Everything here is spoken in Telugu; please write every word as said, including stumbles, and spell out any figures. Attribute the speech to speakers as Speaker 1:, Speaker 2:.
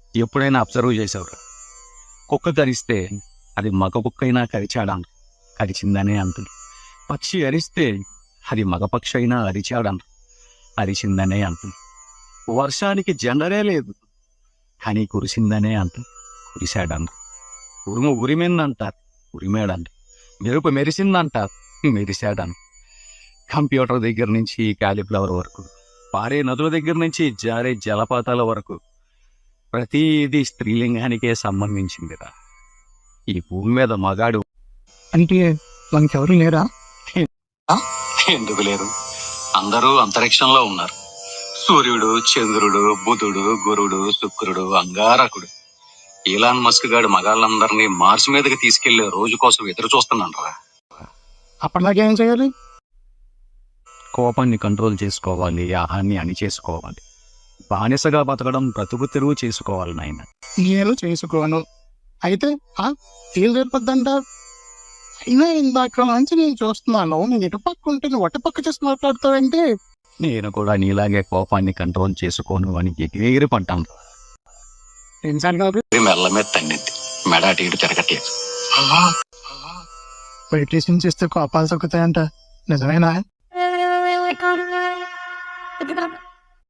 Speaker 1: ఎప్పుడైనా అబ్జర్వ్ చేసేవారు, కుక్క కరిస్తే అది మగ కుక్క అయినా కరిచాడాను కరిచిందనే అంటుంది. పక్షి అరిస్తే అది మగ పక్షి అయినా అరిచాడాను అరిచిందనే అంటుంది. వర్షానికి జెండరే లేదు కానీ కురిసిందనే అంటుంది కురిశాడంట. ఉరుము ఉరిమిందంటారు ఉరిమేడంట. మెరుపు మెరిసిందంటారు మెరిశాడని. కంప్యూటర్ దగ్గర నుంచి కాలీఫ్లవర్ వరకు, పారే నదుల దగ్గర నుంచి జారే జలపాతాల వరకు ప్రతిదీ స్త్రీలింగానికే సంబంధించిందిరా. ఈ భూమి మీద మగాడు
Speaker 2: అంటే మనకెవరు లేరా?
Speaker 1: ఎందుకు లేరు? అందరూ అంతరిక్షంలో ఉన్నారు. సూర్యుడు, చంద్రుడు, బుధుడు, గురుడు, శుక్రుడు, అంగారకుడు. ఈలాన్ మస్క్ గాడు మగాళ్ళందరినీ మార్స్ మీదకి తీసుకెళ్లే రోజు కోసం ఎదురు చూస్తున్నానరా.
Speaker 2: అప్పటిదాకా ఏం చేయాలి?
Speaker 1: కోపాన్ని కంట్రోల్ చేసుకోవాలి, ఆహాన్ని అని చేసుకోవాలి. బానిసగా బతకడం బ్రతుకు తెరువు చేసుకోవాలి నాయన.
Speaker 2: నేను చేసుకోను. అయితే ఫీల్ సరిపోద్దంట. అయినా ఇందాక నుంచి నేను చూస్తున్నాను, నేను ఇటు పక్క ఉంటే నువ్వు అటు పక్క చేసి మాట్లాడతావంటే.
Speaker 1: నేను కూడా నీలాగే కోపాన్ని కంట్రోల్ చేసుకోను అని ఎగిరి పడ్డాను. మెల్ల మీద తన్నింది, మెడ అటు ఇటు తిరగట్లేదు.
Speaker 2: మెడిటేషన్ చేస్తే కోపాలు తగ్గుతాయంట, నిజమేనా?